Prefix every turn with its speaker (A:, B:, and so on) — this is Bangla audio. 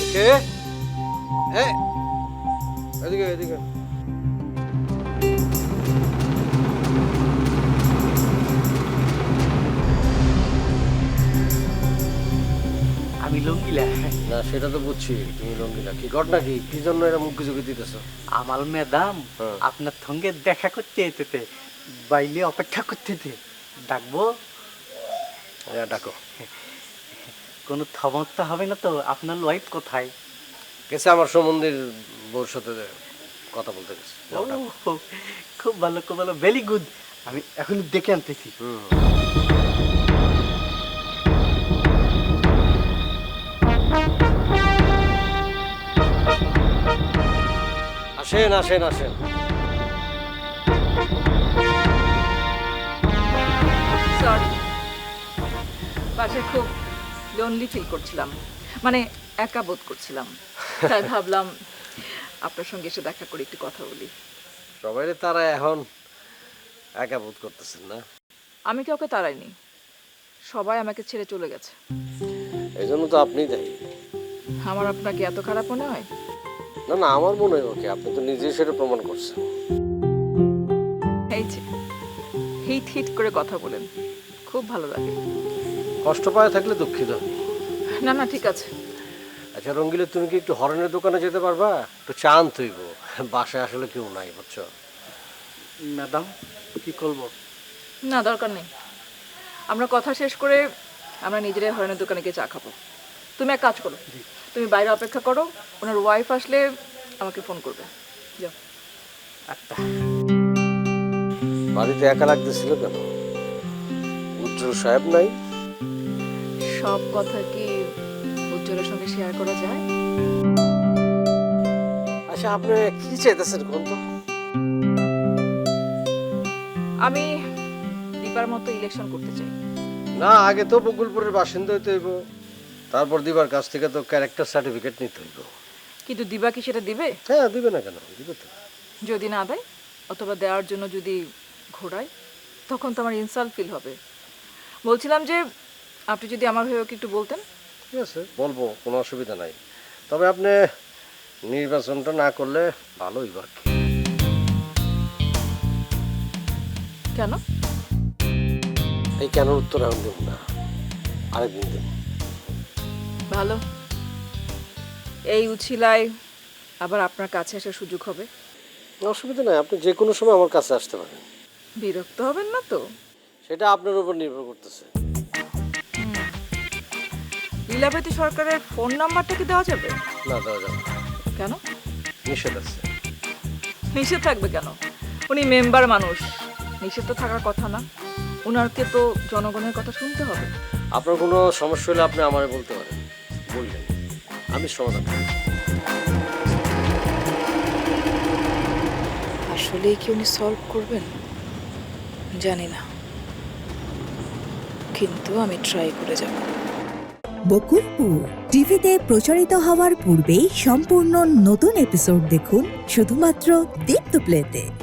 A: কে? এদিকে এদিকে।
B: আমি লঙ্গিলা।
A: না সেটা তো বুঝছি তুমি রঙ্গিলা। কি ঘটনা কি জন্য এরা মুখ ঝুঁকি দিতেছো?
B: আমার ম্যাডাম আপনার সঙ্গে দেখা করতে যেতে বাইলে অপেক্ষা করতে ডাকবো?
A: হ্যাঁ ডাকো।
B: কোনো সমস্যা হবে না তো? আপনার ওয়াইফ কোথায়?
A: গেছে আমার সম্বন্ধের বউর সাথে কথা বলতে গেছে। যাও, ডাকো।
B: ও, খুব ভালো ভেরি গুড। আমি এখন দেখে আনতেছি।
A: আসেন আসেন আসেন।
C: সরি, বাসায় খুব লোনলি ফিল করছিলাম, মানে একা বোধ করছিলাম, তাই ভাবলাম আপনার সঙ্গে এসে দেখা করে একটু কথা বলি।
A: সবাই তারা এখন একা বোধ করতেছেন না?
C: আমি কাউকে তাড়াইনি, সবাই আমাকে ছেড়ে চলে গেছে।
A: এই জন্য তো আপনিই দায়ী।
C: আমার আপনাকে এত খারাপ মনে হয়?
A: না না, আমার মনে হয় ওকে, আপনি তো নিজেই সেটা প্রমাণ করছেন।
C: এই যে হিট হিট করে কথা বলেন, খুব ভালো লাগে।
A: কষ্ট পায় থাকলে দুঃখিত।
C: না না, ঠিক আছে।
A: আচ্ছা রঙ্গিলে, তুমি কি একটু হরেনের দোকানে যেতে পারবা? একটু চা আনতে হইব, বাসায় আসলে কেউ নাই বুঝছো।
B: ম্যাডাম কি করবো?
C: না, দরকার নেই। আমরা কথা শেষ করে আমরা নিজেরাই হরেনের দোকানে গিয়ে চা খাবো। তুমি এক কাজ করো, তুমি বাইরে অপেক্ষা করো, ওনার ওয়াইফ আসলে আমাকে ফোন করবে। যাও।
B: আচ্ছা।
A: বাড়িতে একা লাগতেছিল কেন? উজ্জ্বল সাহেব নাই?
C: সব কথা কি উজ্জ্বলের সঙ্গে শেয়ার করা যায়?
A: আচ্ছা আপনি কি চাইতেছেন কোন তো?
C: আমি দীপার মতো ইলেকশন করতে চাই।
A: না, আগে তো বকুলপুরের বাসিন্দা হইতে হইব, তারপর দিবার কাছ থেকে তো ক্যারেক্টার সার্টিফিকেট নিতে হইব।
C: কিন্তু দিবা কি সেটা দিবে?
A: হ্যাঁ দিবে না কেন, দিবে তো।
C: যদি না দেয় অথবা দেওয়ার জন্য যদি ঘোরায়, তখন তো আমার ইনসাল্ট ফিল হবে। বলছিলাম যে আপনি যদি আমার হয়ে ওকে একটু বলতেন।
A: ঠিক আছে বলবো, কোনো অসুবিধা নাই। তবে আপনি নির্বাচনটা না করলে ভালো হইব আর কি।
C: কেন?
A: এই কেন উত্তর এখন দেব না, আরেকদিন দেব।
C: ভালো, এই উছিলায় আবার আপনার কাছে আসার সুযোগ হবে।
A: অসুবিধা নাই, আপনি যে কোনো সময় আমার কাছে আসতে পারেন।
C: বিরক্ত হবেন না তো?
A: সেটা আপনার উপর নির্ভর করতেছে।
C: লীলাবতী সরকারের ফোন নাম্বারটা কি দেওয়া যাবে?
A: না দেওয়া যাবে না।
C: কেন?
A: নিষেধ আছে।
C: নিষেধ থাকবে কেন? উনি মেম্বার মানুষ, নিষেধ তো থাকার কথা না। ওনাকে তো জনগণের কথা শুনতে হবে।
A: আপনার কোনো সমস্যা হলে আপনি আমারে বলতে পারেন, বললেন আমি সমাধান করব।
C: আসলে কি উনি সলভ করবেন জানি না, কিন্তু আমি ট্রাই করে যাব।
D: বকুলপুর টিভিতে প্রচারিত হওয়ার পূর্বেই সম্পূর্ণ নতুন এপিসোড দেখুন শুধুমাত্র দীপ্ত প্লেতে।